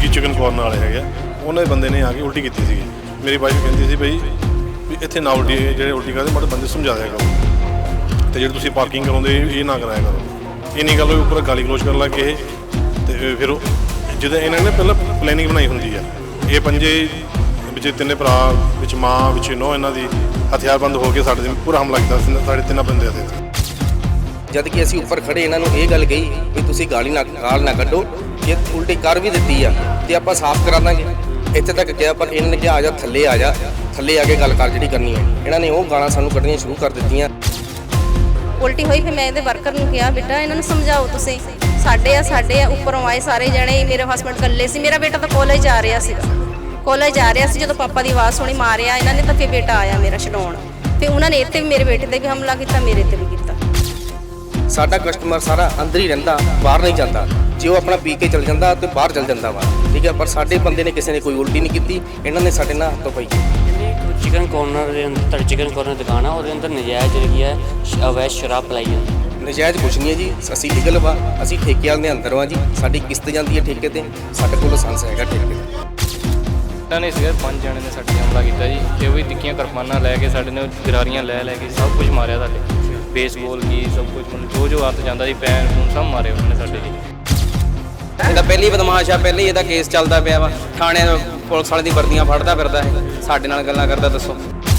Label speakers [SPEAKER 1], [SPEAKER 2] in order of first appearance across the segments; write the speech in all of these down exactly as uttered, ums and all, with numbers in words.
[SPEAKER 1] Jaggi chicken corner वाले है उन्होंने बंदे ने आके उल्टी की सी। मेरी वाइफ कहती सी बई भी इत्थे ना उल्टी जो उल्टी करते माड़े बंदे समझा दिया करो तो जो तुम पार्किंग कराते ये ना कराया करो। इन्नी गल उपर गाली गलोच कर लग गए तो फिर जिदा इन्होंने पहले प्लैनिंग बनाई होंगी है ये पंजे बिच तिने भरा बिच माँ बिच नौ इन्हों की हथियारबंद होकर साढ़े पूरा हमला किया साढ़े तिना बंदे थे।
[SPEAKER 2] जद कि असीं उपर खड़े इन्हों ये गल कही भी तुसीं गाली ना गाल ना कड्डो जे उल्टी कर भी दित्ती आ ते आपां साफ करा दांगे इत्थे तक किहा पर इन्होंने कहा आ जा थल्ले आ जा थल्ले आके गल कर जिहड़ी करनी है इन्होंने वो गालां सानूं कड्ढणीਆਂ शुरू कर दित्तियां।
[SPEAKER 3] उल्टी हुई फिर मैं इहदे वर्कर नूं कहा बेटा इन्हां नूं समझाओ तुसीं साडे आ साडे आ उपरों आए सारे जणे मेरे हसबैंड कल्ले सी मेरा बेटा तो कॉलेज जा रहा सीगा कॉलेज जा रहा सी जदों पापा की आवाज़ सुनी मारिया इन्हां ने तो फिर बेटा आया मेरा छडाउण फिर उन्होंने इत्थे भी मेरे बेटे ते भी हमला किया मेरे ते भी किया।
[SPEAKER 2] साडा कस्टमर सारा अंदर ही रहिंदा बाहर नहीं जाता जे वो अपना पी के चल जाता तो बाहर चल जाता वा ठीक है पर साडे बंदे ने किसी ने कोई उल्टी नहीं की इन्होंने साडे नाल हत्थों पाई।
[SPEAKER 4] चिकन कॉर्नर के अंदर चिकन कॉर्नर दुकान है और अंदर नजायज़ जी है अवैध शराब पलाई जाती है।
[SPEAKER 2] नजायज़ कुछ नहीं है जी असी लीगल वा असी ठेके वाले दे अंदर वा जी साडी किस्त जाती है ठेके ते साडे कोल लाइसेंस हैगा ठेके ते।
[SPEAKER 5] ने सीगे पांच जने ने साडे हमला किया जी ते वो भी तिक्कियां किरपानां लैके साडे ने गरारियां लै लै के सब कुछ मारिया साडे बेसबॉल की सब कुछ मतलब जो जो हत्थ जाता जी पैन पून सब मारे उन्होंने साडे जी।
[SPEAKER 6] ਇਹਦਾ ਪਹਿਲੀ ਬਦਮਾਸ਼ ਆ ਪਹਿਲੇ ਇਹਦਾ ਕੇਸ ਚੱਲਦਾ ਪਿਆ ਵਾ ਥਾਣੇ ਪੁਲਿਸ ਵਾਲੇ ਦੀ ਵਰਦੀਆਂ ਫੜਦਾ ਫਿਰਦਾ ਹੈ ਸਾਡੇ ਨਾਲ ਗੱਲਾਂ ਕਰਦਾ ਦੱਸੋ।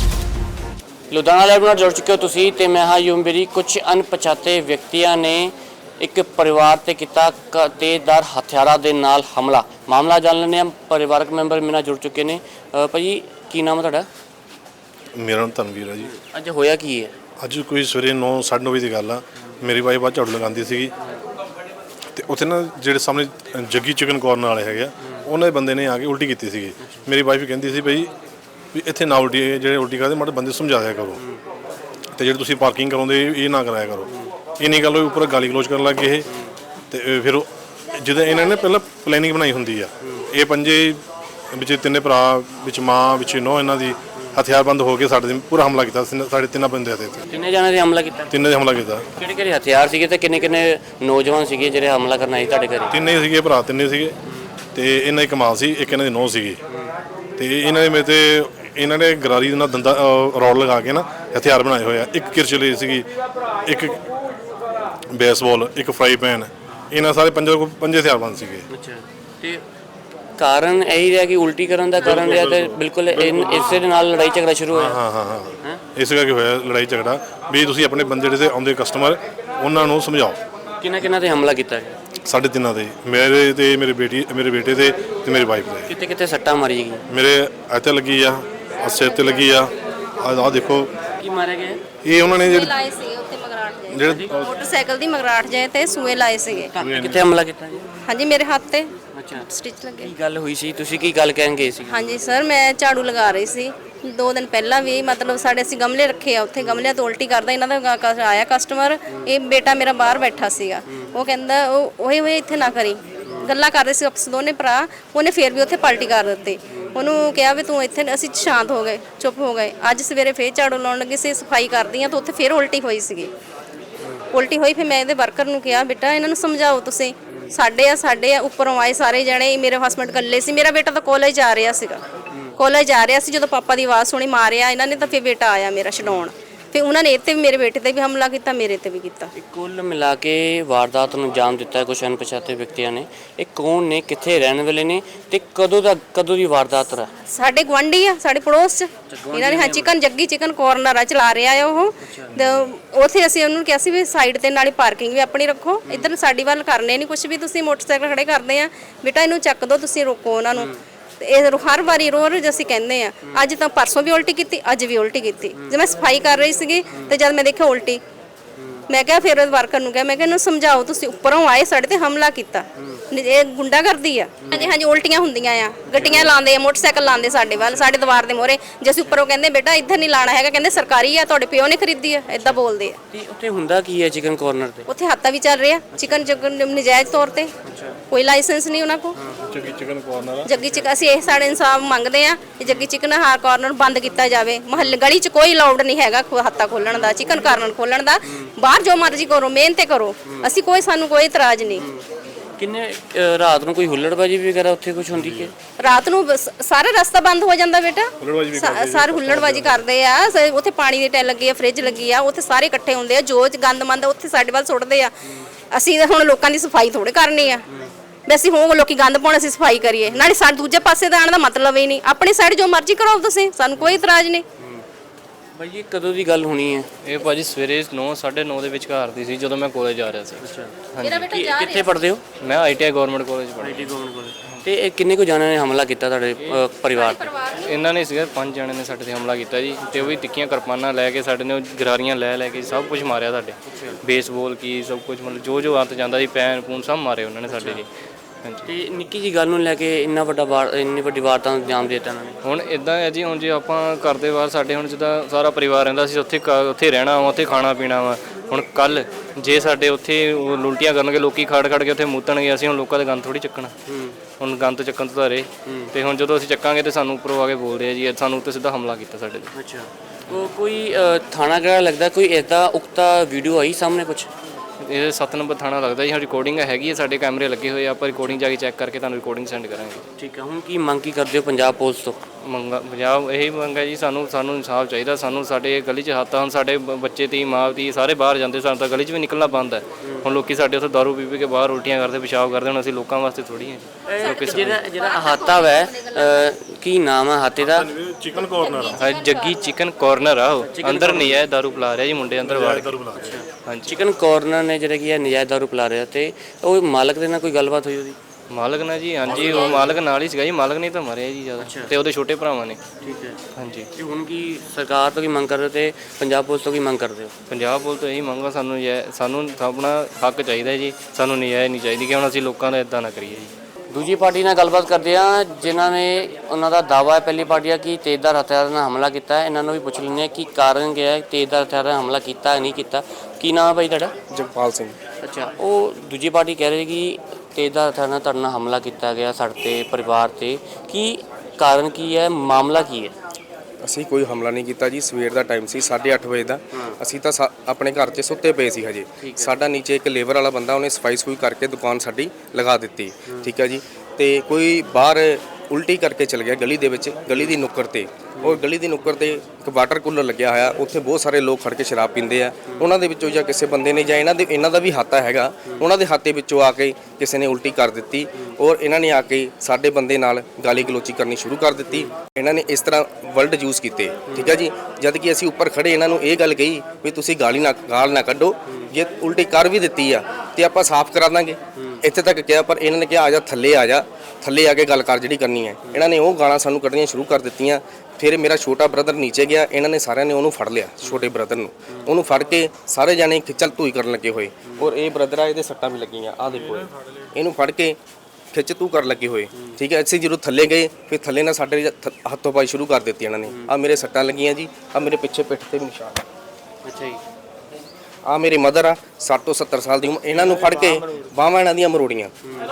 [SPEAKER 4] ਲੁਧਿਆਣਾ ਲਾਈਵ ਨਾਲ ਜੁੜ ਚੁੱਕੇ ਹੋ ਤੁਸੀਂ ਤੇ ਮੈਂ ਹਾਂ ਯੂਮਬੇਰੀ। ਕੁਝ ਅਣਪਛਾਤੇ ਵਿਅਕਤੀਆਂ ਨੇ ਇੱਕ ਪਰਿਵਾਰ ਤੇ ਕੀਤਾ ਤੇਜ਼ਧਾਰ ਹਥਿਆਰਾਂ ਦੇ ਨਾਲ ਹਮਲਾ। ਮਾਮਲਾ ਜਾਣ ਲੈਂਦੇ ਹਾਂ ਪਰਿਵਾਰਕ ਮੈਂਬਰ ਮੇਰੇ ਨਾਲ ਜੁੜ ਚੁੱਕੇ ਨੇ। ਭਾਜੀ ਕੀ ਨਾਮ ਹੈ ਤੁਹਾਡਾ?
[SPEAKER 1] ਮੇਰਾ ਨਾਮ ਧਨਵੀਰ ਹੈ ਜੀ।
[SPEAKER 4] ਅੱਜ ਹੋਇਆ ਕੀ ਹੈ?
[SPEAKER 1] ਅੱਜ ਕੋਈ ਸਵੇਰੇ ਨੌ ਸਾਢੇ ਨੌ ਵਜੇ ਦੀ ਗੱਲ ਆ ਮੇਰੀ ਵਾਈਫ ਬਾਅਦ ਝਾੜੂ ਲਗਾਉਂਦੀ ਸੀਗੀ ਤੇ ਉੱਥੇ ਨਾ ਜਿਹੜੇ ਸਾਹਮਣੇ ਜੱਗੀ ਚਿਕਨ ਕੌਰਨਰ ਵਾਲੇ ਹੈਗੇ ਆ ਉਹਨਾਂ ਦੇ ਬੰਦੇ ਨੇ ਆ ਕੇ ਉਲਟੀ ਕੀਤੀ ਸੀਗੀ। ਮੇਰੀ ਵਾਈਫ ਕਹਿੰਦੀ ਸੀ ਬਈ ਵੀ ਇੱਥੇ ਨਾ ਉਲਟੀ ਜਿਹੜੇ ਉਲਟੀ ਕਰਦੇ ਮਾੜੇ ਬੰਦੇ ਸਮਝਾ ਦਿਆ ਕਰੋ ਤੇ ਜਿਹੜੇ ਤੁਸੀਂ ਪਾਰਕਿੰਗ ਕਰਾਉਂਦੇ ਇਹ ਨਾ ਕਰਾਇਆ ਕਰੋ। ਇੰਨੀ ਗੱਲ ਹੋਈ ਉੱਪਰ ਗਾਲੀ ਗਲੋਚ ਕਰਨ ਲੱਗ ਗਏ ਤੇ ਫਿਰ ਜਿੱਦਾਂ ਇਹਨਾਂ ਨੇ ਪਹਿਲਾਂ ਪਲੈਨਿੰਗ ਬਣਾਈ ਹੁੰਦੀ ਆ ਇਹ ਪੰਜੇ ਵਿੱਚ ਤਿੰਨੇ ਭਰਾ ਵਿੱਚ ਮਾਂ ਵਿੱਚ ਨੌ ਇਹਨਾਂ ਦੀ ਹਥਿਆਰਬੰਦ ਹੋ ਕੇ ਸਾਡੇ ਪੂਰਾ ਹਮਲਾ ਕੀਤਾ ਸਾਡੇ ਤਿੰਨਾਂ ਬੰਦਿਆਂ ਤੇ।
[SPEAKER 4] ਕਿੰਨੇ ਜਣਾਂ ਦੇ ਹਮਲਾ ਕੀਤਾ?
[SPEAKER 1] ਤਿੰਨੇ ਦੇ ਹਮਲਾ ਕੀਤਾ।
[SPEAKER 4] ਕਿਹੜੇ ਕਿਹੜੇ ਹਥਿਆਰ ਸੀਗੇ ਤੇ ਕਿੰਨੇ ਕਿੰਨੇ ਨੌਜਵਾਨ ਸੀਗੇ ਜਿਹੜੇ ਹਮਲਾ ਕਰਨ ਆਏ ਤੁਹਾਡੇ ਘਰੇ?
[SPEAKER 1] ਤਿੰਨੇ ਸੀਗੇ ਭਰਾ ਤਿੰਨੇ ਸੀਗੇ ਤੇ ਇਹਨਾਂ ਦੀ ਕਮਾਲ ਸੀ ਇੱਕ ਇਹਨਾਂ ਦੀ ਨੌ ਸੀਗੀ ਤੇ ਇਹਨਾਂ ਨੇ ਮੇਰੇ ਤੇ ਇਹਨਾਂ ਨੇ ਗਰਾਰੀ ਦੇ ਨਾਲ ਦੰਦਾ ਰੌਡ ਲਗਾ ਕੇ ਨਾ ਹਥਿਆਰ ਬਣਾਏ ਹੋਏ ਆ। ਇੱਕ ਕਿਰਚਲੀ ਸੀਗੀ ਇੱਕ ਬੇਸਬਾਲ ਇੱਕ ਫਰਾਈ ਪੈਨ ਇਹਨਾਂ ਸਾਰੇ ਪੰਜੇ ਕੋਲ ਪੰਜੇ ਹਥਿਆਰਬੰਦ ਸੀਗੇ।
[SPEAKER 4] ਅੱਛਾ ਤੇ ਕਾਰਨ ਇਹੀ ਰਿਹਾ ਕਿ ਉਲਟੀ ਕਰਨ ਦਾ ਕਾਰਨ ਰਿਹਾ ਤੇ ਬਿਲਕੁਲ ਇਸੇ ਦੇ ਨਾਲ ਲੜਾਈ ਝਗੜਾ ਸ਼ੁਰੂ ਹੋਇਆ।
[SPEAKER 1] ਹਾਂ ਹਾਂ ਹਾਂ ਇਸ ਕਰਕੇ ਹੋਇਆ ਲੜਾਈ ਝਗੜਾ ਵੀ ਤੁਸੀਂ ਆਪਣੇ ਬੰਦੇ ਜਿਹੜੇ ਆਉਂਦੇ ਕਸਟਮਰ ਉਹਨਾਂ ਨੂੰ ਸਮਝਾਓ।
[SPEAKER 4] ਕਿਹਨਾਂ ਕਿਹਨਾਂ ਤੇ ਹਮਲਾ ਕੀਤਾ ਗਿਆ?
[SPEAKER 1] ਸਾਡੇ ਤਿੰਨਾਂ ਦੇ ਮੇਰੇ ਤੇ ਮੇਰੇ ਬੇਟੀ ਮੇਰੇ ਬੇਟੇ ਤੇ ਤੇ ਮੇਰੀ ਵਾਈਫ ਦੇ।
[SPEAKER 4] ਕਿੱਥੇ ਕਿੱਥੇ ਸੱਟਾਂ ਮਾਰੀ ਗਈਆਂ?
[SPEAKER 1] ਮੇਰੇ ਇੱਥੇ ਲੱਗੀ ਆ ਸਿਰ ਤੇ ਲੱਗੀ ਆ ਆਹ ਦੇਖੋ
[SPEAKER 4] ਕੀ ਮਾਰੇ ਗਏ?
[SPEAKER 1] ਇਹ ਉਹਨਾਂ ਨੇ ਜਿਹੜੇ
[SPEAKER 3] ਲਾਏ ਸੀਗੇ ਉੱਥੇ ਮਗਰਾਟ ਜਾਏ
[SPEAKER 1] ਜਿਹੜੇ
[SPEAKER 3] ਮੋਟਰਸਾਈਕਲ ਦੀ ਮਗਰਾਟ ਜਾਏ ਤੇ ਸੂਏ ਲਾਏ ਸੀਗੇ।
[SPEAKER 4] ਕਿੱਥੇ ਹਮਲਾ ਕੀਤਾ ਜੀ?
[SPEAKER 3] ਹਾਂਜੀ ਮੇਰੇ ਹੱਥ ਤੇ
[SPEAKER 4] ਅੱਛਾ
[SPEAKER 3] ਸਟਿਚ ਲੱਗੇ।
[SPEAKER 4] ਕੀ ਗੱਲ ਹੋਈ ਸੀ? ਤੁਸੀਂ ਕੀ ਗੱਲ ਕਹਿਣ ਗਏ ਸੀ?
[SPEAKER 3] ਹਾਂਜੀ ਸਰ ਮੈਂ ਝਾੜੂ ਲਗਾ ਰਹੀ ਸੀ ਦੋ ਦਿਨ ਪਹਿਲਾਂ ਵੀ ਮਤਲਬ ਸਾਡੇ ਅਸੀਂ ਗਮਲੇ ਰੱਖੇ ਆ ਉੱਥੇ ਗਮਲਿਆਂ ਤੋਂ ਉਲਟੀ ਕਰਦਾ ਇਹਨਾਂ ਦਾ ਕ- ਆਇਆ ਕਸਟਮਰ ਇਹ ਬੇਟਾ ਮੇਰਾ ਬਾਹਰ ਬੈਠਾ ਸੀਗਾ ਉਹ ਕਹਿੰਦਾ ਉਹ ਉਹੀ ਹੋਏ ਇੱਥੇ ਨਾ ਕਰੀ ਗੱਲਾਂ ਕਰ ਰਹੇ ਸੀ ਆਪਸ ਦੋਨੇ ਭਰਾ ਉਹਨੇ ਫੇਰ ਵੀ ਉੱਥੇ ਪਲਟੀ ਕਰ ਦਿੱਤੀ ਉਹਨੂੰ ਕਿਹਾ ਵੀ ਤੂੰ ਇੱਥੇ ਅਸੀਂ ਸ਼ਾਂਤ ਹੋ ਗਏ ਚੁੱਪ ਹੋ ਗਏ। ਅੱਜ ਸਵੇਰੇ ਫੇਰ ਝਾੜੂ ਲਾਉਣ ਲੱਗੀ ਸੀ ਸਫਾਈ ਕਰਦੀ ਆ ਤਾਂ ਉੱਥੇ ਫੇਰ ਉਲਟੀ ਹੋਈ ਸੀਗੀ ਉਲਟੀ ਹੋਈ ਫਿਰ ਮੈਂ ਇਹਦੇ ਵਰਕਰ ਨੂੰ ਕਿਹਾ ਬੇਟਾ ਇਹਨਾਂ ਨੂੰ ਸਮਝਾਓ ਤੁਸੀਂ ਸਾਡੇ ਆ ਸਾਡੇ ਆ ਉੱਪਰੋਂ ਆਏ ਸਾਰੇ ਜਣੇ ਮੇਰੇ ਹਸਬੈਂਡ ਕੱਲੇ ਸੀ ਮੇਰਾ ਬੇਟਾ ਤਾਂ ਕਾਲਜ ਜਾ ਰਿਹਾ ਸੀਗਾ ਕਾਲਜ ਜਾ ਰਿਹਾ ਸੀ ਜਦੋਂ ਪਾਪਾ ਦੀ ਆਵਾਜ਼ ਸੁਣੀ ਮਾਰਿਆ ਇਹਨਾਂ ਨੇ ਤਾਂ ਫਿਰ ਬੇਟਾ ਆਇਆ ਮੇਰਾ ਛਡਾਉਣ ਫਿਰ ਉਹਨਾਂ ਨੇ ਇੱਥੇ ਵੀ ਮੇਰੇ ਬੇਟੇ ਤੇ ਵੀ ਹਮਲਾ ਕੀਤਾ ਮੇਰੇ ਤੇ ਵੀ ਕੀਤਾ।
[SPEAKER 4] ਕੁੱਲ ਮਿਲਾ ਕੇ ਵਾਰਦਾਤ ਨੂੰ ਅੰਜਾਮ ਦਿੱਤਾ ਕੁਝ ਅਣਪਛਾਤੇ ਵਿਅਕਤੀਆਂ ਨੇ। ਇਹ ਕੌਣ ਨੇ ਕਿੱਥੇ ਰਹਿਣ ਵਾਲੇ ਨੇ ਤੇ ਕਦੋਂ ਦਾ ਕਦੋਂ ਦੀ ਵਾਰਦਾਤ ਹੈ?
[SPEAKER 3] ਸਾਡੇ ਗੁਆਂਢੀ ਆ ਸਾਡੇ ਪੜੋਸ ਚ ਇਹਨਾਂ ਨੇ ਹਾਂ ਚਿਕਨ ਜੱਗੀ ਚਿਕਨ ਕਾਰਨਰ ਆ ਚਲਾ ਰਿਹਾ ਆ ਉਹ ਉੱਥੇ ਅਸੀਂ ਉਹਨੂੰ ਕਿਹਾ ਸੀ ਵੀ ਸਾਈਡ ਤੇ ਨਾਲੇ ਪਾਰਕਿੰਗ ਵੀ ਆਪਣੀ ਰੱਖੋ ਇੱਧਰ ਸਾਡੀ ਵੱਲ ਕਰਨੇ ਨਹੀਂ ਕੁਝ ਵੀ ਤੁਸੀਂ ਮੋਟਰਸਾਈਕਲ ਖੜੇ ਕਰਦੇ ਆ ਬੇਟਾ ਇਹਨੂੰ ਚੱਕ ਦਿਓ ਤੁਸੀਂ ਰੋਕੋ ਉਹਨਾਂ ਨੂੰ। ਇਹ ਹਰ ਵਾਰੀ ਰੋਜ਼ ਅਸੀਂ ਕਹਿੰਦੇ ਆ ਅੱਜ ਤਾਂ ਪਰਸੋਂ ਵੀ ਉਲਟੀ ਕੀਤੀ ਅੱਜ ਵੀ ਉਲਟੀ ਕੀਤੀ ਜੇ ਮੈਂ ਸਫਾਈ ਕਰ ਰਹੀ ਸੀਗੀ ਤੇ ਜਦ ਮੈਂ ਦੇਖਿਆ ਉਲਟੀ ਮੈਂ ਕਿਹਾ ਫਿਰ ਵਰਕਰ ਨੂੰ ਕਿਹਾ ਮੈਂ ਕਿਹਾ ਇਹਨੂੰ ਸਮਝਾਓ ਤੁਸੀਂ ਉੱਪਰੋਂ ਆਏ ਸਾਡੇ ਤੇ ਹਮਲਾ ਕੀਤਾ ਇਹ ਗੁੰਡਾ ਕਰਦੀ ਆ। ਹਾਂਜੀ ਹਾਂਜੀ ਉਲਟੀਆਂ ਹੁੰਦੀਆਂ ਆ ਗੱਡੀਆਂ ਲਾਉਂਦੇ ਆ ਮੋਟਰਸਾਈਕਲ ਲਾਉਂਦੇ ਸਾਡੇ ਵੱਲ ਸਾਡੇ ਦੀਵਾਰ ਦੇ ਮੋਹਰੇ ਜੇ ਅਸੀਂ ਉੱਪਰੋਂ ਕਹਿੰਦੇ ਬੇਟਾ ਇੱਧਰ ਨਹੀਂ ਲਾਣਾ ਹੈਗਾ ਕਹਿੰਦੇ ਸਰਕਾਰੀ ਆ ਤੁਹਾਡੇ ਪਿਓ ਨੇ ਖਰੀਦੀ ਆ ਇਦਾਂ ਬੋਲਦੇ ਆ।
[SPEAKER 4] ਤੇ ਉੱਥੇ ਹੁੰਦਾ ਕੀ ਹੈ ਚਿਕਨ ਕਾਰਨਰ ਤੇ? ਉੱਥੇ
[SPEAKER 3] ਹੱਤਾ ਵੀ ਚੱਲ ਰਿਹਾ ਚਿਕਨ ਚਿਕਨ ਨਜਾਇਜ਼ ਤੌਰ ਤੇ ਕੋਈ ਲਾਇਸੈਂਸ ਨਹੀਂ ਉਹਨਾਂ ਕੋਲ।
[SPEAKER 1] Jaggi chicken corner
[SPEAKER 3] Jaggi chicken ਅਸੀਂ ਇਹ ਸਾਡੇ ਇਨਸਾਫ ਮੰਗਦੇ ਆ ਕਿ ਜੱਗੀ ਚਿਕਨ ਹਾਰ ਕਾਰਨਰ ਬੰਦ ਕੀਤਾ ਜਾਵੇ। ਮਹੱਲੇ ਗਲੀ 'ਚ ਕੋਈ ਅਲਾਉਡ ਨਹੀਂ ਹੈਗਾ ਹੱਤਾ ਖੋਲਣ ਦਾ ਚਿਕਨ ਕਾਰਨਰ ਖੋਲਣ ਦਾ। ਬਾਹਰ ਜੋ ਮਰਜ਼ੀ ਕਰੋ ਮਿਹਨਤ ਕਰੋ ਅਸੀਂ ਕੋਈ ਸਾਨੂੰ ਕੋਈ ਇਤਰਾਜ਼ ਨਹੀਂ
[SPEAKER 4] ਕਿੰਨੇ ਅ, ਰਾਤ ਨੂੰ ਕੋਈ ਹੁੱਲੜਬਾਜੀ ਵਗੈਰਾ ਉੱਥੇ ਕੁਝ ਹੁੰਦੀ ਕਿ
[SPEAKER 3] ਰਾਤ ਨੂੰ ਬਸ ਸਾਰਾ ਰਸਤਾ ਬੰਦ ਹੋ ਜਾਂਦਾ ਬੇਟਾ
[SPEAKER 1] ਹੁੱਲੜਬਾਜ਼ੀ ਵੀ
[SPEAKER 3] ਸਾ- ਸਾਰੇ ਹੁੱਲੜਬਾਜੀ ਕਰਦੇ ਆ ਸ- ਉੱਥੇ ਪਾਣੀ ਦੀ ਟੈਲ ਲੱਗੀ ਆ, ਫ੍ਰਿਜ ਲੱਗੀ ਆ, ਉੱਥੇ ਸਾਰੇ ਇਕੱਠੇ ਹੁੰਦੇ ਆ, ਜੋ ਚ ਗੰਦ ਮੰਦ ਉੱਥੇ ਸਾਡੇ ਵੱਲ ਸੁੱਟਦੇ ਆ। ਅਸੀਂ ਤਾਂ ਹੁਣ ਲੋਕਾਂ ਦੀ ਸਫਾਈ ਥੋੜੇ ਕਰਨੀ ਆ ਵੀ ਅਸੀਂ ਹੋਂ ਲੋਕੀ ਗੰਦ ਪਾਉਣ ਅਸੀਂ ਸਫਾਈ ਕਰੀਏ, ਨਾਲੇ ਸਾਡੇ ਦੂਜੇ ਪਾਸੇ ਦਾ ਆਉਣ ਦਾ ਮਤਲਬ ਹੀ ਨਹੀਂ। ਆਪਣੀ ਸਾਈਡ ਜੋ ਮਰਜ਼ੀ ਕਰਾਓ ਤੁਸੀਂ, ਸਾਨੂੰ ਕੋਈ ਇਤਰਾਜ਼ ਨਹੀਂ।
[SPEAKER 4] ਬਾਈ ਜੀ ਕਦੋਂ ਦੀ ਗੱਲ ਹੋਣੀ ਹੈ?
[SPEAKER 5] ਇਹ ਭਾਜੀ ਸਵੇਰੇ ਨੌ ਸਾਢੇ ਨੌ ਦੇ ਵਿਚਕਾਰ ਦੀ ਸੀ ਜਦੋਂ ਮੈਂ ਕਾਲਜ ਜਾ ਰਿਹਾ ਸੀ।
[SPEAKER 3] ਮੇਰਾ ਬੇਟਾ
[SPEAKER 4] ਕਿ-
[SPEAKER 3] ਜਾ
[SPEAKER 4] ਕਿੱਥੇ ਪੜ੍ਹਦੇ ਹੋ?
[SPEAKER 5] ਮੈਂ ਆਈਟੀਆਈ ਗਵਰਨਮੈਂਟ ਕਾਲਜ ਪੜ੍ਹਿਆ।
[SPEAKER 4] IT government college. ਤੇ ਇਹ ਕਿੰਨੇ ਕੁ ਜਾਣਿਆਂ ਨੇ ਹਮਲਾ ਕੀਤਾ ਤੁਹਾਡੇ ਅ, ਪਰਿਵਾਰ ਤੇ?
[SPEAKER 5] ਇਹਨਾਂ ਨੇ ਸੀਗਾ ਪੰਜ ਜਣੇ ਨੇ ਸਾਡੇ ਤੇ ਹਮਲਾ ਕੀਤਾ ਜੀ, ਤੇ ਉਹ ਵੀ ਤਿੱਖੀਆਂ ਕਿਰਪਾਨਾਂ ਲੈ ਕੇ ਸਾਡੇ ਨੇ, ਉਹ ਗਰਾਰੀਆਂ ਲੈ ਲੈ ਕੇ ਸਭ ਕੁਝ ਮਾਰਿਆ ਸਾਡੇ। ਬੇਸਬਾਲ ਕੀ ਸਭ ਕੁਝ, ਮਤਲਬ ਜੋ ਜੋ ਹੱਥ ਜਾਂਦਾ ਸੀ, ਪੈਨ ਪੂਨ ਸਭ ਮਾਰੇ ਉਹਨਾਂ ਨੇ ਸਾਡੇ ਜੀ। ਹਾਂਜੀ।
[SPEAKER 4] ਤੇ ਨਿੱਕੀ ਜੀ ਗੱਲ ਨੂੰ ਲੈ ਕੇ ਇੰਨਾ ਵੱਡਾ ਵਾਰ ਇੰਨੀ ਵੱਡੀ ਵਾਰਤਾ ਨੂੰ ਅੰਜਾਮ ਦੇ ਦਿੱਤਾ ਇਹਨਾਂ ਨੇ।
[SPEAKER 5] ਹੁਣ ਇਦਾਂ ਹੈ ਜੀ, ਹੁਣ ਜੇ ਆਪਾਂ ਘਰ ਦੇ ਬਾਹਰ ਸਾਡੇ ਹੁਣ ਜਿੱਦਾਂ ਸਾਰਾ ਪਰਿਵਾਰ ਰਹਿੰਦਾ ਸੀ, ਉੱਥੇ ਕ- ਉੱਥੇ ਰਹਿਣਾ ਵਾ, ਉੱਥੇ ਖਾਣਾ ਪੀਣਾ ਵਾ। ਹੁਣ ਕੱਲ ਜੇ ਸਾਡੇ ਉੱਥੇ ਉਹ ਉਲਟੀਆਂ ਕਰਨਗੇ ਲੋਕੀ, ਖੜ ਖੜ ਕੇ ਉੱਥੇ ਮੂਤਣਗੇ, ਅਸੀਂ ਹੁਣ ਲੋਕਾਂ ਦੇ ਗੰਦ ਥੋੜੀ ਚੱਕਣਾ। ਹੁਣ ਗੰਦ ਚੱਕਣ ਤੋਂ ਤਾਂ ਰਹੇ, ਤੇ ਹੁਣ ਜਦੋਂ ਅਸੀਂ ਚੱਕਾਂਗੇ ਤੇ ਸਾਨੂੰ ਉੱਪਰੋਂ ਆ ਕੇ ਬੋਲਦੇ ਆ ਜੀ, ਸਾਨੂੰ ਉੱਤੇ ਸਿੱਧਾ ਹਮਲਾ ਕੀਤਾ ਸਾਡੇ ਤੇ।
[SPEAKER 4] ਅੱਛਾ, ਉਹ ਕੋਈ ਅ, ਥਾਣਾ ਕਿਹੜਾ ਲੱਗਦਾ, ਕੋਈ ਇੱਦਾਂ ਉਕਤਾ ਵੀਡੀਓ ਆਈ ਸਾਹਮਣੇ ਕੁਝ?
[SPEAKER 5] ਇਹ ਸੱਤ ਨੰਬਰ ਥਾਣਾ ਲੱਗਦਾ ਜੀ। ਹਾਂ, ਰਿਕਾਰਡਿੰਗ ਹੈਗੀ ਹੈ, ਸਾਡੇ ਕੈਮਰੇ ਲੱਗੇ ਹੋਏ ਆ, ਆਪਾਂ ਰਿਕਾਰਡਿੰਗ ਜਾ ਕੇ ਚੈੱਕ ਕਰਕੇ ਤੁਹਾਨੂੰ ਰਿਕਾਰਡਿੰਗ ਸੈਂਡ ਕਰਾਂਗੇ।
[SPEAKER 4] ਠੀਕ ਹੈ, ਹੁਣ ਕੀ ਮੰਗ ਕੀ ਕਰਦੇ ਹੋ ਪੰਜਾਬ ਪੁਲਿਸ ਤੋਂ?
[SPEAKER 5] ਮੰਗਾ ਪੰਜਾਬ ਇਹੀ ਮੰਗ ਹੈ ਜੀ, ਸਾਨੂੰ ਸਾਨੂੰ ਇਨਸਾਫ ਚਾਹੀਦਾ। ਸਾਨੂੰ ਸਾਡੇ ਗਲੀ 'ਚ ਹੱਥ ਆ, ਹੁਣ ਸਾਡੇ ਬ- ਬੱਚੇ ਤੀ ਮਾਂ ਤੀ ਸਾਰੇ ਬਾਹਰ ਜਾਂਦੇ, ਸਾਨੂੰ ਤਾਂ ਗਲੀ 'ਚ ਵੀ ਨਿਕਲਣਾ ਬੰਦ ਹੈ। ਹੁਣ ਲੋਕੀ ਸਾਡੇ ਉੱਥੇ ਦਾਰੂ ਪੀ ਪੀ ਕੇ ਬਾਹਰ ਉਲਟੀਆਂ ਕਰਦੇ, ਪਿਸ਼ਾਬ ਕਰਦੇ। ਹੁਣ ਅਸੀਂ ਲੋਕਾਂ ਵਾਸਤੇ ਥੋੜੀ ਹੈ ਲੋਕੀ।
[SPEAKER 4] ਜਿਹੜਾ ਜਿਹੜਾ ਹਾਤਾ ਵੈ ਕੀ ਨਾਮ ਹੈ ਹਾਤੇ ਦਾ?
[SPEAKER 1] ਚਿਕਨ ਕਾਰਨਰ
[SPEAKER 5] ਹਾਂ, ਜੱਗੀ ਚਿਕਨ ਕਾਰਨਰ ਆ, ਉਹ ਅੰਦਰ ਨਹੀਂ ਆਇਆ, ਦਾਰੂ ਪਿਲਾ ਰਿਹਾ ਜੀ ਮੁੰਡੇ ਅੰਦਰ ਵਾੜ ਕੇ। ਹਾਂਜੀ।
[SPEAKER 4] ਚਿਕਨ ਕਾਰਨਰ ਨੇ ਜਿਹੜਾ ਕੀ ਹੈ ਨਜਾਇਜ਼ ਦਾਰੂ ਪਿਲਾ ਰਿਹਾ, ਤੇ ਉਹ ਮਾਲਕ ਦੇ ਨਾਲ ਕੋਈ ਗੱਲਬਾਤ ਹੋਈ ਉਹਦੀ?
[SPEAKER 5] ਮਾਲਕ ਨਾਲ ਜੀ, ਹਾਂਜੀ, ਉਹ ਮਾਲਕ ਨਾਲ ਹੀ ਸੀਗਾ ਜੀ। ਮਾਲਕ ਨੇ ਤਾਂ ਮਾਰਿਆ ਜੀ ਜ਼ਿਆਦਾ, ਤੇ ਉਹਦੇ ਛੋਟੇ ਭਰਾਵਾਂ ਨੇ।
[SPEAKER 4] ਠੀਕ ਹੈ।
[SPEAKER 5] ਹਾਂਜੀ।
[SPEAKER 4] ਤੇ ਹੁਣ ਕੀ ਸਰਕਾਰ ਤੋਂ ਕੀ ਮੰਗ ਕਰਦੇ ਹੋ ਤੇ ਪੰਜਾਬ ਪੁਲਿਸ ਤੋਂ ਕੀ ਮੰਗ ਕਰਦੇ ਹੋ?
[SPEAKER 5] ਪੰਜਾਬ ਪੁਲਿਸ ਤੋਂ ਇਹੀ ਮੰਗਾ, ਸਾਨੂੰ ਜੈ- ਸਾਨੂੰ ਆਪਣਾ ਹੱਕ ਚਾਹੀਦਾ ਜੀ, ਸਾਨੂੰ ਨਜਾਇਜ਼ ਨਹੀਂ ਚਾਹੀਦੀ ਕਿ ਹੁਣ ਅਸੀਂ ਲੋਕਾਂ ਦਾ ਇਦਾਂ ਨਾ ਕਰੀਏ ਜੀ।
[SPEAKER 4] ਦੂਜੀ ਪਾਰਟੀ ਨਾਲ ਗੱਲਬਾਤ ਕਰਦੇ ਆ, ਜਿਨ੍ਹਾਂ ਨੇ ਉਹਨਾਂ ਦਾ ਦਾਅਵਾ ਹੈ ਪਹਿਲੀ ਪਾਰਟੀ ਆ ਕਿ ਤੇਜ਼ਧਾਰ ਹਥਿਆਰਾਂ ਨਾਲ ਹਮਲਾ ਕੀਤਾ ਹੈ। ਇਹਨਾਂ ਨੂੰ ਵੀ ਪੁੱਛ ਲੈਂਦੇ ਹਾਂ ਕਿ ਕਾਰਨ ਕੀ ਹੈ, ਤੇਜ਼ਧਾਰ ਹਥਿਆਰਾਂ ਨਾਲ ਹਮਲਾ ਕੀਤਾ ਨਹੀਂ ਕੀਤਾ। ਕੀ ਨਾਮ ਹੈ ਭਾਈ ਤੁਹਾਡਾ?
[SPEAKER 7] ਜਗਪਾਲ ਸਿੰਘ।
[SPEAKER 4] ਅੱਛਾ, ਉਹ ਦੂਜੀ ਪਾਰਟੀ ਕਹਿ ਰਹੀ ਕਿ ਤੇਜ਼ਧਾਰ ਹਥਿਆਰਾਂ ਨਾਲ ਤੁਹਾਡੇ ਨਾਲ ਹਮਲਾ ਕੀਤਾ ਗਿਆ ਸਾਡੇ ਤੇ, ਪਰਿਵਾਰ ਤੇ। ਕੀ ਕਾਰਨ ਕੀ ਹੈ, ਮਾਮਲਾ ਕੀ ਹੈ?
[SPEAKER 2] ਅਸੀਂ ਕੋਈ ਹਮਲਾ ਨਹੀਂ ਕੀਤਾ ਜੀ। ਸਵੇਰ ਦਾ ਟਾਈਮ ਸੀ, ਸਾਢੇ ਅੱਠ ਵਜੇ ਦਾ। ਅਸੀਂ ਤਾਂ ਸਾ- ਆਪਣੇ ਘਰ 'ਚ ਸੁੱਤੇ ਪਏ ਸੀ ਹਜੇ। ਸਾਡਾ ਨੀਚੇ ਇੱਕ ਲੇਬਰ ਵਾਲਾ ਬੰਦਾ, ਉਹਨੇ ਸਫਾਈ ਸਫੂਈ ਕਰਕੇ ਦੁਕਾਨ ਸਾਡੀ ਲਗਾ ਦਿੱਤੀ। ਠੀਕ ਹੈ ਜੀ। ਤੇ ਕੋਈ ਬਾਹਰ ਉਲਟੀ ਕਰਕੇ ਚਲ ਗਿਆ ਗਲੀ ਦੇ ਵਿੱਚ, ਗਲੀ ਦੀ ਨੁੱਕਰ ਤੇ। ਔਰ ਗਲੀ ਦੀ ਨੁੱਕਰ ਤੇ ਇੱਕ ਵਾਟਰ ਕੂਲਰ ਲੱਗਿਆ ਹੋਇਆ, ਉੱਥੇ ਬਹੁਤ ਸਾਰੇ ਲੋਕ ਖੜ ਕੇ ਸ਼ਰਾਬ ਪੀਂਦੇ ਆ। ਉਹਨਾਂ ਦੇ ਵਿੱਚੋਂ ਜਾਂ ਕਿਸੇ ਬੰਦੇ ਨੇ, ਜਾਂ ਇਹਨਾਂ ਦੇ ਇਹਨਾਂ ਦਾ ਵੀ ਹੱਥ ਹੈਗਾ, ਉਹਨਾਂ ਦੇ ਹੱਥੇ ਵਿੱਚੋਂ ਆ ਕੇ ਕਿਸੇ ਨੇ ਉਲਟੀ ਕਰ ਦਿੱਤੀ। ਔਰ ਇਹਨਾਂ ਨੇ ਆ ਕੇ ਸਾਡੇ ਬੰਦੇ ਨਾਲ ਗਾਲੀ ਗਲੋਚੀ ਕਰਨੀ ਸ਼ੁਰੂ ਕਰ ਦਿੱਤੀ। ਇਹਨਾਂ ਨੇ ਇਸ ਤਰ੍ਹਾਂ ਵਰਡ ਯੂਜ਼ ਕੀਤੇ। ਠੀਕ ਹੈ ਜੀ। ਜਦ ਕਿ ਅਸੀਂ ਉੱਪਰ ਖੜੇ ਇਹਨਾਂ ਨੂੰ ਇਹ ਗੱਲ ਕਹੀ ਵੀ ਤੁਸੀਂ ਗਾਲੀ ਨਾ ਗਾਲ ਨਾ ਕੱਢੋ, ਜੇ ਉਲਟੀ ਕਰ ਵੀ ਦਿੱਤੀ ਆ ਤੇ ਆਪਾਂ ਸਾਫ਼ ਕਰਾ ਦਾਂਗੇ, ਇੱਥੇ ਤੱਕ ਕਿਹਾ। ਪਰ ਇਹਨਾਂ ਨੇ ਕਿਹਾ ਆ ਜਾ ਥੱਲੇ ਆ ਜਾ, ਥੱਲੇ ਆ ਕੇ ਗੱਲ ਕਰ ਜਿਹੜੀ ਕਰਨੀ ਹੈ। ਇਹਨਾਂ ਨੇ ਉਹ ਗਾਲਾਂ ਸਾਨੂੰ ਕੱਢਣੀਆਂ ਸ਼ੁਰੂ ਕਰ ਦਿੱਤੀਆਂ। ਫਿਰ ਮੇਰਾ ਛੋਟਾ ਬ੍ਰਦਰ ਨੀਚੇ ਗਿਆ, ਇਹਨਾਂ ਨੇ ਸਾਰਿਆਂ ਨੇ ਉਹਨੂੰ ਫੜ ਲਿਆ, ਛੋਟੇ ਬ੍ਰਦਰ ਨੂੰ। ਉਹਨੂੰ ਫੜ ਕੇ ਸਾਰੇ ਜਾਣੇ ਖਿੱਚਲ ਧੂਈ ਕਰਨ ਲੱਗੇ ਹੋਏ। ਔਰ ਇਹ ਬ੍ਰਦਰ ਆ, ਇਹਦੇ ਸੱਟਾਂ ਵੀ ਲੱਗੀਆਂ, ਆਹ ਦੇਖੋ। ਇਹਨੂੰ ਫੜ ਕੇ ਖਿੱਚ ਤੂ ਕਰਨ ਲੱਗੇ ਹੋਏ। ਠੀਕ ਹੈ। ਅਸੀਂ ਜਦੋਂ ਥੱਲੇ ਗਏ, ਫਿਰ ਥੱਲੇ ਨਾਲ ਸਾਡੇ ਹੱਥੋਂ ਪਾਈ ਸ਼ੁਰੂ ਕਰ ਦਿੱਤੀ ਇਹਨਾਂ ਨੇ। ਆਹ ਮੇਰੇ ਸੱਟਾਂ ਲੱਗੀਆਂ ਜੀ, ਆਹ ਮੇਰੇ ਪਿੱਛੇ ਪਿੱਠ ਤੇ ਵੀ ਨਿਸ਼ਾਨ।
[SPEAKER 4] ਅੱਛਾ ਜੀ।
[SPEAKER 2] ਆ ਮੇਰੀ ਮਦਰ ਆ, ਸੱਠ ਤੋਂ ਸੱਤਰ ਸਾਲ ਦੀ ਉਮਰ। ਇਹਨਾਂ ਨੂੰ ਫੜ ਕੇ ਬਾਹਾਂ ਇਹਨਾਂ ਦੀਆਂ ਮਰੋੜੀਆਂ,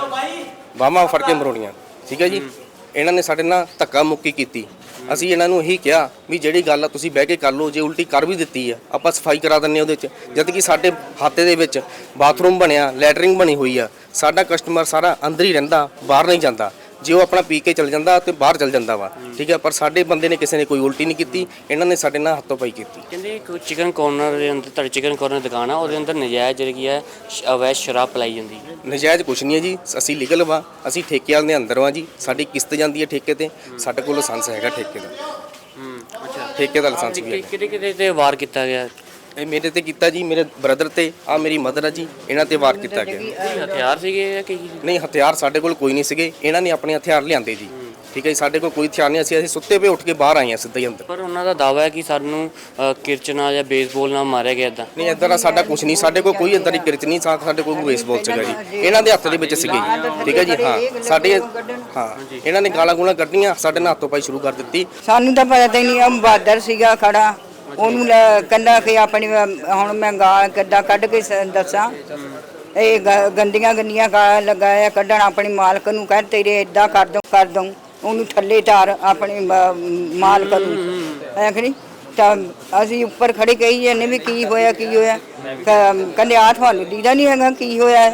[SPEAKER 2] ਬਾਹਾਂ ਫੜ ਕੇ ਮਰੋੜੀਆਂ। ਠੀਕ ਹੈ ਜੀ। ਇਹਨਾਂ ਨੇ ਸਾਡੇ ਨਾਲ ਧੱਕਾ ਮੁੱਕੀ ਕੀਤੀ। ਅਸੀਂ ਇਹਨਾਂ ਨੂੰ ਇਹੀ ਕਿਹਾ ਵੀ ਜਿਹੜੀ ਗੱਲ ਆ ਤੁਸੀਂ ਬਹਿ ਕੇ ਕਰ ਲਓ, ਜੇ ਉਲਟੀ ਕਰ ਵੀ ਦਿੱਤੀ ਆ ਆਪਾਂ ਸਫਾਈ ਕਰਾ ਦਿੰਦੇ ਉਹਦੇ 'ਚ। ਜਦ ਕਿ ਸਾਡੇ ਖਾਤੇ ਦੇ ਵਿੱਚ ਬਾਥਰੂਮ ਬਣਿਆ, ਲੈਟਰਿੰਗ ਬਣੀ ਹੋਈ ਆ। ਸਾਡਾ ਕਸਟਮਰ ਸਾਰਾ ਅੰਦਰ ਹੀ ਰਹਿੰਦਾ, ਬਾਹਰ ਨਹੀਂ ਜਾਂਦਾ। ਜੇ ਉਹ ਆਪਣਾ ਪੀ ਕੇ ਚਲ ਜਾਂਦਾ ਤੇ ਬਾਹਰ ਚਲ ਜਾਂਦਾ ਵਾ। ਠੀਕ ਹੈ। ਪਰ ਸਾਡੇ ਬੰਦੇ ਨੇ ਕਿਸੇ ਨੇ ਕੋਈ ਉਲਟੀ ਨਹੀਂ ਕੀਤੀ, ਇਹਨਾਂ ਨੇ ਸਾਡੇ ਨਾਲ ਹੱਥੋਂ ਪਾਈ ਕੀਤੀ।
[SPEAKER 4] ਕਹਿੰਦੇ ਕੋਈ ਚਿਕਨ ਕਾਰਨਰ ਦੇ ਅੰਦਰ, ਤੁਹਾਡੀ ਚਿਕਨ ਕਾਰਨਰ ਦੁਕਾਨ ਆ, ਉਹਦੇ ਅੰਦਰ ਨਜਾਇਜ਼ ਜਿਹੜੀ ਕੀ ਹੈ ਸ਼- ਅਵੈਧ ਸ਼ਰਾਬ ਪਿਲਾਈ ਜਾਂਦੀ ਹੈ।
[SPEAKER 2] ਨਜਾਇਜ਼ ਕੁਛ ਨਹੀਂ ਹੈ ਜੀ, ਅਸੀਂ ਲੀਗਲ ਵਾ, ਅਸੀਂ ਠੇਕੇ ਵਾਲੇ ਦੇ ਅੰਦਰ ਵਾ ਜੀ। ਸਾਡੀ ਕਿਸ਼ਤ ਜਾਂਦੀ ਹੈ ਠੇਕੇ ਤੇ, ਸਾਡੇ ਕੋਲ ਲਾਇਸੈਂਸ ਹੈਗਾ ਠੇਕੇ ਦਾ।
[SPEAKER 4] ਅੱਛਾ।
[SPEAKER 2] ਠੇਕੇ ਦਾ ਲਾਇਸੈਂਸ ਵੀ ਹੈਗਾ।
[SPEAKER 4] ਕਿਹੜੇ ਕਿਹੜੇ ਤੇ ਵਾਰ ਕੀਤਾ ਗਿਆ?
[SPEAKER 2] ਇਹ ਮੇਰੇ ਤੇ ਕੀਤਾ ਜੀ, ਮੇਰੇ ਬ੍ਰਦਰ ਤੇ, ਆ ਮੇਰੀ ਮਦਰ ਆ ਜੀ, ਇਹਨਾਂ ਤੇ ਵਾਰ ਕੀਤਾ ਗਿਆ।
[SPEAKER 4] ਕੋਈ ਹਥਿਆਰ ਸੀਗੇ ਜਾਂ ਕੀ?
[SPEAKER 2] ਨਹੀਂ, ਹਥਿਆਰ ਸਾਡੇ ਕੋਲ ਕੋਈ ਨਹੀਂ ਸੀਗੇ, ਇਹਨਾਂ ਨੇ ਆਪਣੇ ਹਥਿਆਰ ਲਿਆਂਦੇ ਜੀ। ਠੀਕ ਹੈ ਜੀ। ਸਾਡੇ ਕੋਲ ਕੋਈ ਹਥਿਆਰ ਨਹੀਂ, ਅਸੀਂ ਅਸੀਂ ਸੁੱਤੇ ਪਏ ਉੱਠ ਕੇ ਬਾਹਰ ਆਏ ਹਾਂ ਸਿੱਧਾ ਹੀ ਅੰਦਰ।
[SPEAKER 4] ਪਰ ਉਹਨਾਂ ਦਾ ਦਾਅਵਾ ਹੈ ਕਿ ਸਾਨੂੰ ਅ, ਕਿਰਚਨਾ ਜਾਂ ਬੇਸਬਾਲ ਨਾਲ ਮਾਰਿਆ ਗਿਆ ਇੱਦਾਂ।
[SPEAKER 2] ਨਹੀਂ, ਇੱਦਾਂ ਦਾ ਸਾਡਾ ਕੁਝ ਨਹੀਂ, ਸਾਡੇ ਕੋਲ ਕੋਈ ਇੱਦਾਂ ਦੀ ਕਿਰਚ ਨਹੀਂ, ਸਾਡੇ ਕੋਲ ਬੇਸਬਾਲ ਸੀਗਾ ਜੀ। ਇਹਨਾਂ ਦੇ ਹੱਥ ਦੇ ਵਿੱਚ ਸੀਗੇ ਜੀ। ਠੀਕ ਹੈ ਜੀ। ਹਾਂ, ਸਾਡੇ ਹਾਂ ਇਹਨਾਂ ਨੇ ਗਾਲਾਂ ਗੂਲਾਂ ਕੱਢੀਆਂ, ਸਾਡੇ ਨਾਲ ਹੱਥੋਂ ਪਾਈ ਸ਼ੁਰੂ ਕਰ ਦਿੱਤੀ।
[SPEAKER 8] ਸਾਨੂੰ ਤਾਂ ਪਤਾ ਹੀ ਨਹੀਂ। ਆ ਬਹਾਦਰ ਸੀਗਾ ਖੜਾ, ਉਹਨੂੰ ਲੈ- ਕਹਿੰਦਾ ਕਿ ਆਪਣੀ ਹੁਣ ਮੈਂ ਗਾਲ ਕਿੱਦਾਂ ਕੱਢ ਕੇ ਸ- ਦੱਸਾਂ। ਇਹ ਗ- ਗੰਦੀਆਂ ਗੰਦੀਆਂ ਗਾਲਾਂ ਲਗਾਇਆ ਕੱਢਣ, ਆਪਣੀ ਮਾਲਕ ਨੂੰ ਕਹਿ ਤੇਰੇ ਇਦਾਂ ਕਰ ਦਊਂ ਕਰ ਦਊਂ, ਉਹਨੂੰ ਥੱਲੇ ਧਾਰ ਆਪਣੀ ਮ- ਮਾਲਕ ਨੂੰ। ਐ ਕਿ ਤਾਂ ਅਸੀਂ ਉੱਪਰ ਖੜੇ ਕਹੀ ਜਾਂਦੇ ਵੀ ਕੀ ਹੋਇਆ ਕੀ ਹੋਇਆ। ਕ- ਕਹਿੰਦੇ ਆ ਤੁਹਾਨੂੰ ਦੀਦਾ ਨਹੀਂ ਹੈਗਾ ਕੀ ਹੋਇਆ ਹੈ।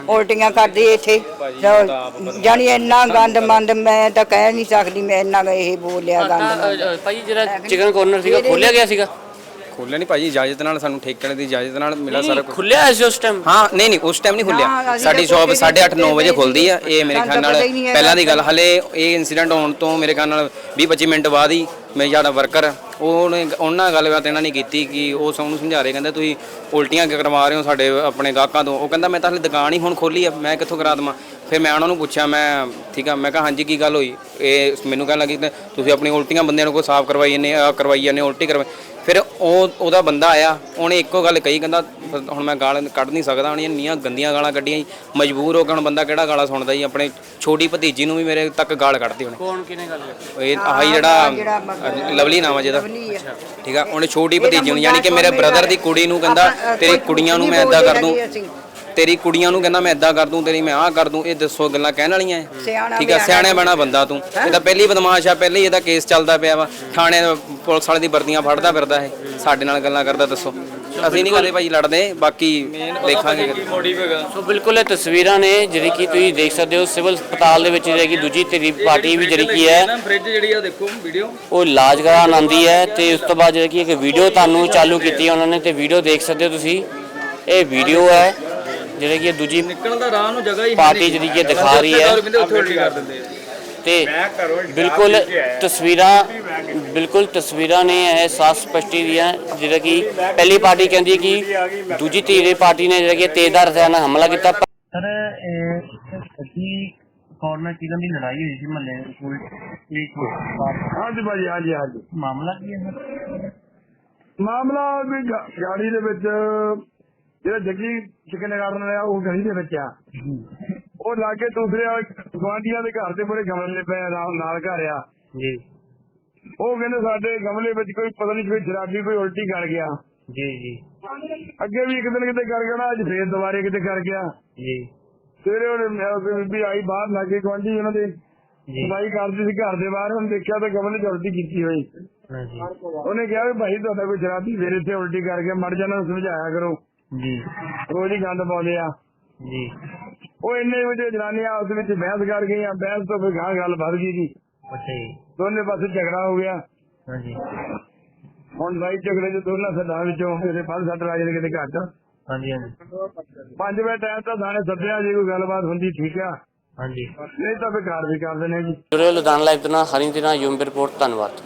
[SPEAKER 8] ਉਲਟੀਆਂ ਕਰਦੀ ਇੱਥੇ ਜਾਣੀ ਇੰਨਾ ਗੰਦ ਮੰਦ ਮੈਂ ਤਾਂ ਕਹਿ ਨਹੀਂ ਸਕਦੀ ਮੈਂ ਇੰਨਾ ਕੁ ਇਹ ਬੋਲਿਆ ਗੰਦ ਮੰਦ।
[SPEAKER 4] ਭਾਈ ਜਿਹੜਾ ਚਿਕਨ ਕਾਰਨਰ ਸੀਗਾ ਖੋਲਿਆ ਗਿਆ ਸੀਗਾ?
[SPEAKER 6] ਖੋਲਿਆ ਨਹੀਂ ਭਾਜੀ, ਇਜਾਜ਼ਤ ਨਾਲ ਸਾਨੂੰ ਠੇਕੇ ਦੀ ਇਜਾਜ਼ਤ ਨਾਲ ਮਿਲਾ ਸਾਰਾ ਕੁਝ।
[SPEAKER 4] ਖੁੱਲਿਆ ਐ ਸੀ ਉਸ ਟਾਈਮ?
[SPEAKER 6] ਹਾਂ ਨਹੀਂ ਨਹੀਂ ਉਸ ਟਾਈਮ ਨਹੀਂ ਖੁੱਲਿਆ। ਸਾਡੀ ਸ਼ਾਪ ਸਾਢੇ ਅੱਠ ਨੌ ਵਜੇ ਖੁੱਲਦੀ ਆ। ਇਹ ਮੇਰੇ ਖਿਆਲ ਨਾਲ ਪਹਿਲਾਂ ਦੀ ਗੱਲ, ਹਲੇ ਇਹ ਇਨਸੀਡੈਂਟ ਹੋਣ ਤੋਂ ਮੇਰੇ ਖਿਆਲ ਨਾਲ ਵੀਹ ਪੱਚੀ ਮਿੰਟ ਬਾਅਦ ਹੀ ਮੇਰਾ ਜਿਹੜਾ ਵਰਕਰ ਉਹਨੇ ਉਹਨਾਂ ਨਾਲ ਗੱਲਬਾਤ ਇਹਨਾਂ ਨੇ ਕੀਤੀ ਕਿ ਉਹ ਸਭ ਨੂੰ ਸਮਝਾ ਰਹੇ, ਕਹਿੰਦੇ ਤੁਸੀਂ ਉਲਟੀਆਂ ਕਰਵਾ ਰਹੇ ਹੋ ਸਾਡੇ ਆਪਣੇ ਗਾਹਕਾਂ ਤੋਂ। ਉਹ ਕਹਿੰਦਾ ਮੈਂ ਤਾਂ ਹਲੇ ਦੁਕਾਨ ਹੀ ਹੁਣ ਖੋਲੀ ਆ, ਮੈਂ ਕਿੱਥੋਂ ਕਰਾ ਦੇਵਾਂ। ਫਿਰ ਮੈਂ ਉਹਨਾਂ ਨੂੰ ਪੁੱਛਿਆ, ਮੈਂ ਠੀਕ ਆ, ਮੈਂ ਕਿਹਾ ਹਾਂਜੀ ਕੀ ਗੱਲ ਹੋਈ? ਇਹ ਮੈਨੂੰ ਕਹਿਣ ਲੱਗੀ ਤੁਸੀਂ ਆਪਣੀ ਉਲਟੀਆਂ ਬੰਦਿਆਂ ਨੂੰ ਕੋਈ ਸਾਫ਼ ਕਰਵਾਈ ਜਾਂਦੇ ਕਰਵਾਈ ਜਾਂਦੇ ਉਲਟੀ ਕਰਵਾਈ। ਫਿਰ ਉਹ ਉਹਦਾ ਬੰਦਾ ਆਇਆ, ਉਹਨੇ ਇੱਕੋ ਗੱਲ ਕਹੀ, ਕਹਿੰਦਾ ਹੁਣ ਮੈਂ ਗਾਲ ਕੱਢ ਨਹੀਂ ਸਕਦਾ, ਹੁਣ ਇੰਨੀਆਂ ਗੰਦੀਆਂ ਗਾਲਾਂ ਕੱਢੀਆਂ, ਮਜਬੂਰ ਹੋ ਕੇ ਹੁਣ ਬੰਦਾ ਕਿਹੜਾ ਗਾਲਾਂ ਸੁਣਦਾ ਜੀ। ਆਪਣੇ ਛੋਟੀ ਭਤੀਜੀ ਨੂੰ ਵੀ ਮੇਰੇ ਤੱਕ ਗਾਲ ਕੱਢਦੀ ਉਹਨੇ।
[SPEAKER 4] ਕੌਣ ਕਿਹਨੇ ਗੱਲ
[SPEAKER 6] ਇਹ ਆਹੀ ਜਿਹੜਾ ਲਵਲੀ ਨਾਮ ਆ ਜਿਹਦਾ, ਠੀਕ ਆ, ਉਹਨੇ ਛੋਟੀ ਭਤੀਜੀ ਨੂੰ ਯਾਨੀ ਕਿ ਮੇਰੇ ਬ੍ਰਦਰ ਦੀ ਕੁੜੀ ਨੂੰ ਕਹਿੰਦਾ ਤੇਰੀ ਕੁੜੀਆਂ ਨੂੰ ਮੈਂ ਇਦਾਂ ਕਰ ਦੂੰ, ਤੇਰੀ ਕੁੜੀਆਂ ਨੂੰ ਕਹਿੰਦਾ ਮੈਂ ਇਦਾਂ ਕਰ ਦੂੰ, ਤੇਰੀ ਮੈਂ ਆਹ ਕਰ ਦੂੰ। ਇਹ ਦੱਸੋ ਗੱਲਾਂ ਕਹਿਣ ਵਾਲੀਆਂ? ਠੀਕ ਆ, ਸਿਆਣੇ ਬਣਾ ਬੰਦਾ ਤੂੰ। ਇਹ ਤਾਂ ਪਹਿਲੀ ਬਦਮਾਸ਼ ਆ, ਪਹਿਲੇ ਇਹਦਾ ਕੇਸ ਚੱਲਦਾ ਪਿਆ ਵਾ ਥਾਣੇ, ਪੁਲਿਸ ਵਾਲੇ ਦੀ ਵਰਦੀਆਂ ਫੜਦਾ ਫਿਰਦਾ ਇਹ, ਸਾਡੇ ਨਾਲ ਗੱਲਾਂ ਕਰਦਾ। ਦੱਸੋ ਅਸੀਂ ਨਹੀਂ ਕਦੇ ਭਾਈ ਲੜਦੇ, ਬਾਕੀ ਦੇਖਾਂਗੇ।
[SPEAKER 4] ਸੋ ਬਿਲਕੁਲ ਇਹ ਤਸਵੀਰਾਂ ਨੇ ਜਿਹੜੀ ਕਿ ਤੁਸੀਂ ਦੇਖ ਸਕਦੇ ਹੋ ਸਿਵਲ ਹਸਪਤਾਲ ਦੇ ਵਿੱਚ ਜਿਹੜੀ ਕਿ ਦੂਜੀ ਤੇਰੀ ਪਾਰਟੀ ਵੀ ਜਿਹੜੀ ਕੀ ਹੈ
[SPEAKER 7] ਫ੍ਰਿਜ ਜਿਹੜੀ ਆ ਦੇਖੋ ਵੀਡੀਓ
[SPEAKER 4] ਉਹ ਇਲਾਜ ਕਰਾਉਣ ਆਉਂਦੀ ਹੈ ਤੇ ਉਸ ਤੋਂ ਬਾਅਦ ਜਿਹੜੀ ਕਿ ਇੱਕ ਵੀਡੀਓ ਤੁਹਾਨੂੰ ਚਾਲੂ ਕੀਤੀ ਹੈ ਉਹਨਾਂ ਨੇ ਤੇ ਵੀਡੀਓ ਦੇਖ ਸਕਦੇ ਹੋ ਤੁਸੀਂ। ਇਹ ਵੀਡੀਓ ਹੈ ਜਿਹੜੇ ਕਿ ਦੂਜੀ
[SPEAKER 7] ਨਿਕਲਣ ਦਾ ਰਾਹ ਨੂੰ ਜਗ੍ਹਾ ਹੀ
[SPEAKER 4] ਪਾਰਟੀ ਜਿਹੜੀ ਕਿ ਦਿਖਾ ਰਹੀ ਹੈ
[SPEAKER 7] ਉੱਥੇ ਉਲਟੀ ਕਰ ਦਿੰਦੇ ਆ।
[SPEAKER 4] ਤੇ ਬਿਲਕੁਲ ਤਸਵੀਰਾਂ ਬਿਲਕੁਲ ਤਸਵੀਰਾਂ ਨੇ ਇਹ ਸਾਫ਼ ਸਪਸ਼ਟੀ ਦੀਆਂ ਜਿਹੜਾ ਕਿ ਪਹਿਲੀ ਪਾਰਟੀ ਕਹਿੰਦੀ ਹੈ ਕਿ ਦੂਜੀ ਧਿਰ ਪਾਰਟੀ ਨੇ ਜਿਹੜਾ ਕਿ ਤੇਜ਼ਧਾਰ ਹਥਿਆਰਾਂ ਨਾਲ ਹਮਲਾ ਕੀਤਾ।
[SPEAKER 9] ਸਰ ਇਹ ਸੱਚੀ ਕਾਰਨਰ ਚਿਕਨ ਦੀ ਲੜਾਈ ਹੋਈ ਸੀ ਮਹੱਲੇ ਕੋਲ,
[SPEAKER 10] ਹਾਂਜੀ ਭਾਜੀ, ਹਾਂਜੀ ਹਾਂਜੀ।
[SPEAKER 9] ਮਾਮਲਾ ਕੀ ਹੈ ਸਰ?
[SPEAKER 10] ਮਾਮਲਾ ਵੀ ਗਾ- ਗਾੜੀ ਦੇ ਵਿੱਚ ਜਿਹੜਾ ਜੱਗੀ ਚਿਕਨ ਕਾਰਨਰ ਆ ਉਹ ਗਲੀ ਦੇ ਵਿੱਚ ਆ, ਉਹ ਲਾਗੇ ਦੂਸਰੇ ਗੁਆਂਢੀਆਂ ਦੇ ਘਰ ਦੇ ਮੂਹਰੇ ਗਮਲੇ ਪਏ ਨਾਲ ਨਾਲ ਘਰ ਆ
[SPEAKER 9] ਜੀ।
[SPEAKER 10] ਉਹ ਕਹਿੰਦੇ ਸਾਡੇ ਗਮਲੇ ਵਿੱਚ ਕੋਈ ਪਤਾ ਨਹੀਂ ਕੋਈ ਸ਼ਰਾਬੀ ਕੋਈ ਉਲਟੀ ਕਰ ਗਿਆ
[SPEAKER 9] ਜੀ ਜੀ
[SPEAKER 10] ਅੱਗੇ ਵੀ ਇੱਕ ਦਿਨ ਕਿਤੇ ਕਰ ਗਿਆ ਨਾ, ਅੱਜ ਫੇਰ ਦੁਬਾਰੇ ਕਿਤੇ ਕਰ ਗਿਆ
[SPEAKER 9] ਜੀ।
[SPEAKER 10] ਸਵੇਰੇ ਉਹਨੇ ਬੀਬੀ ਆਈ ਬਾਹਰ ਲਾਗੇ ਗੁਆਂਢੀ ਉਹਨਾਂ ਦੇ ਸਫਾਈ ਕਰਦੀ ਸੀ ਘਰ ਦੇ ਬਾਹਰ, ਉਹਨੇ ਦੇਖਿਆ ਤਾਂ ਗਮਲੇ 'ਚ ਉਲਟੀ ਕੀਤੀ ਹੋਈ। ਉਹਨੇ ਕਿਹਾ ਵੀ ਭਾਈ ਤੁਹਾਡਾ ਕੋਈ ਸ਼ਰਾਬੀ ਫੇਰ ਇੱਥੇ ਉਲਟੀ ਕਰ ਗਿਆ, ਮੜ ਜਾਣਾ ਸਮਝਾਇਆ ਕਰੋ
[SPEAKER 9] ਜੀ,
[SPEAKER 10] ਰੋਜ਼ ਹੀ ਗੰਦ ਪਾਉਂਦੇ ਆ
[SPEAKER 9] ਜੀ।
[SPEAKER 10] ਉਹ ਇੰਨੇ ਵਜੇ ਜਨਾਨੀਆਂ ਉਸ ਵਿੱਚ ਬਹਿਸ ਕਰ ਗਈਆਂ, ਬਹਿਸ ਤੋਂ ਫਿਰ ਗਾਂ ਗੱਲ ਵੱਧ ਗਈ ਜੀ,
[SPEAKER 9] ਅੱਛਾ ਜੀ।
[SPEAKER 10] ਦੋਨੇ ਪਾਸੇ ਝਗੜਾ ਹੋ ਗਿਆ।
[SPEAKER 9] ਹਾਂਜੀ
[SPEAKER 10] ਹੁਣ ਲੜਾਈ ਝਗੜੇ ਚ ਦੋਨਾਂ ਸੱਦਾਂ ਵਿੱਚੋਂ ਮੇਰੇ ਪੰਜ ਸੱਟ ਲੱਗ ਜਾਣੇ ਕਿਤੇ ਘੱਟ।
[SPEAKER 9] ਹਾਂਜੀ ਹਾਂਜੀ
[SPEAKER 10] ਪੰਜ ਵਜੇ ਟਾਈਮ ਤਾਂ ਥਾਣੇ ਸੱਦਿਆ, ਜੇ ਕੋਈ ਗੱਲਬਾਤ ਹੁੰਦੀ ਠੀਕ ਆ,
[SPEAKER 9] ਹਾਂਜੀ।
[SPEAKER 10] ਨਹੀਂ ਤਾਂ ਫਿਰ ਕਾਰ ਵੀ ਕਰ ਦਿੰਦੇ ਜੀ।
[SPEAKER 4] ਜੁੜੇ ਲੁਧਿਆਣਾ ਲਾਈਵ ਦੇ ਨਾਲ ਹਰੀ ਦੇ ਨਾਲ ਯੂਮ ਰਿਪੋਰਟ। ਧੰਨਵਾਦ।